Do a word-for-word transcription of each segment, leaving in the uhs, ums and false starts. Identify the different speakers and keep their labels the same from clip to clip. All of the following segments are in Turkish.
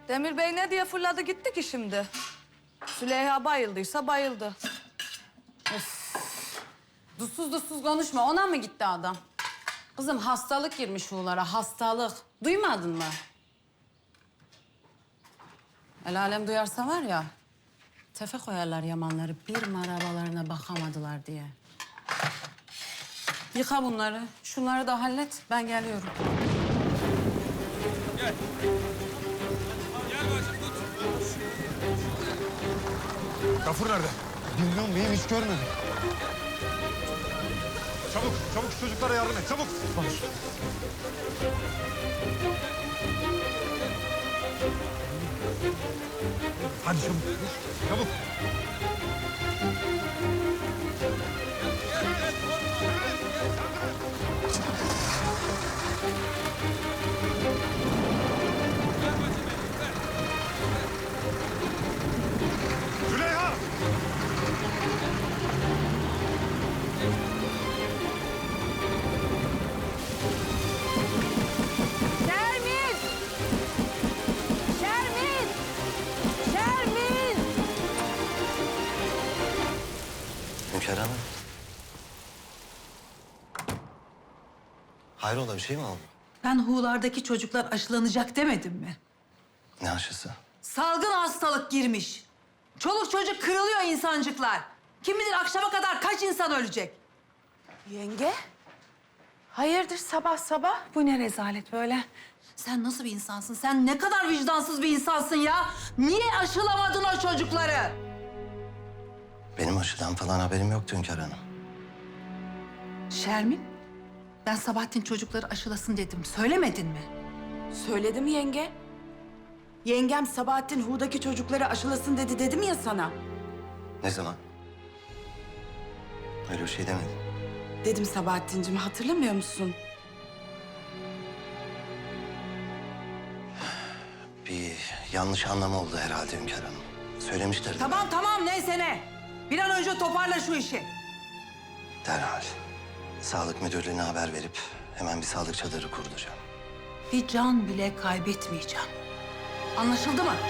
Speaker 1: Demir Bey ne diye fırladı gitti ki şimdi? Süleyha bayıldıysa bayıldı.
Speaker 2: Dutsuz dutsuz konuşma. Ona mı gitti adam? Kızım hastalık girmiş Uğurlara, hastalık. Duymadın mı? El alem duyarsa var ya, tefe koyarlar yamanları. Bir marabalarına bakamadılar diye. Yıka bunları. Şunları da hallet. Ben geliyorum.
Speaker 3: Gel. Gel bacım tut.
Speaker 4: Gafur nerede?
Speaker 5: Bilmiyorum beyim, hiç görmedim.
Speaker 4: Çabuk, çabuk şu çocuklara yardım et, çabuk. Baş. Hadi çabuk, çabuk. Züleyha!
Speaker 1: Şermin! Şermin! Şermin!
Speaker 6: Hünkâr Hanım. Hayrola bir şey mi oldu?
Speaker 7: Ben Hu'lardaki çocuklar aşılanacak demedim mi?
Speaker 6: Ne aşısı?
Speaker 7: Salgın hastalık girmiş. Çoluk çocuk kırılıyor insancıklar. Kim bilir akşama kadar kaç insan ölecek?
Speaker 1: Yenge? Hayırdır sabah sabah? Bu ne rezalet böyle?
Speaker 7: Sen nasıl bir insansın? Sen ne kadar vicdansız bir insansın ya? Niye aşılamadın o çocukları?
Speaker 6: Benim aşıdan falan haberim yoktu Hünkâr Hanım.
Speaker 7: Şermin, ben Sabahattin çocukları aşılasın dedim. Söylemedin mi?
Speaker 8: Söyledim yenge. Yengem Sabahattin Hu'daki çocukları aşılasın dedi dedim ya sana.
Speaker 6: Ne zaman? Öyle bir şey demedim.
Speaker 8: Dedim Sabahattin'cim, hatırlamıyor musun?
Speaker 6: Bir yanlış anlama oldu herhalde Hünkâr Hanım. Söylemişlerdi.
Speaker 7: Tamam tamam neyse ne. Bir an önce toparla şu işi.
Speaker 6: Derhal. Sağlık müdürlüğüne haber verip hemen bir sağlık çadırı kurulacağım.
Speaker 7: Bir can bile kaybetmeyeceğim. Anlaşıldı mı?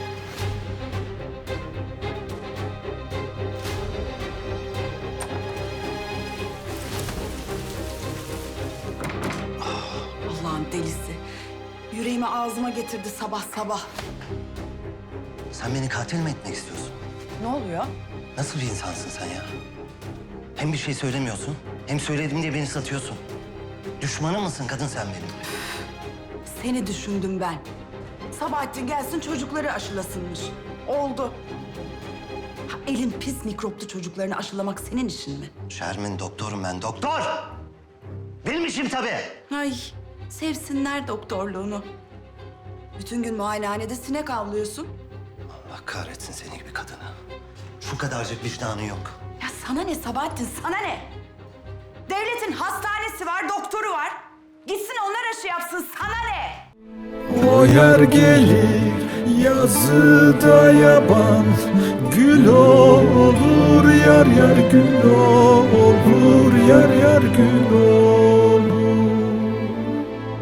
Speaker 8: Allah'ın delisi. Yüreğimi ağzıma getirdi sabah sabah.
Speaker 6: Sen beni katil mi etmek istiyorsun?
Speaker 8: Ne oluyor?
Speaker 6: Nasıl bir insansın sen ya? Hem bir şey söylemiyorsun, hem söyledim diye beni satıyorsun. Düşmanı mısın kadın sen benim?
Speaker 8: Seni düşündüm ben. Sabahattin gelsin çocukları aşılasınmış. Oldu. Ha, elin pis mikroplu çocuklarını aşılamak senin işin mi?
Speaker 6: Şermin doktorum ben, doktor! Benim işim tabii.
Speaker 8: Ay, sevsinler doktorluğunu. Bütün gün muayenehanede sinek avlıyorsun.
Speaker 6: Allah kahretsin seni gibi kadını. Şu kadarcık vicdanı yok.
Speaker 8: Ya sana ne Sabahattin, sana ne? Devletin hastanesi var, doktoru var. Gitsin onlar aşı yapsın, sana ne?
Speaker 9: O yer gelir yazıda yaban, gül olur yar yar gül olur yar yar gül olur.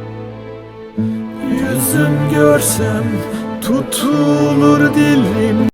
Speaker 9: Yüzüm görsem tutulur dilim.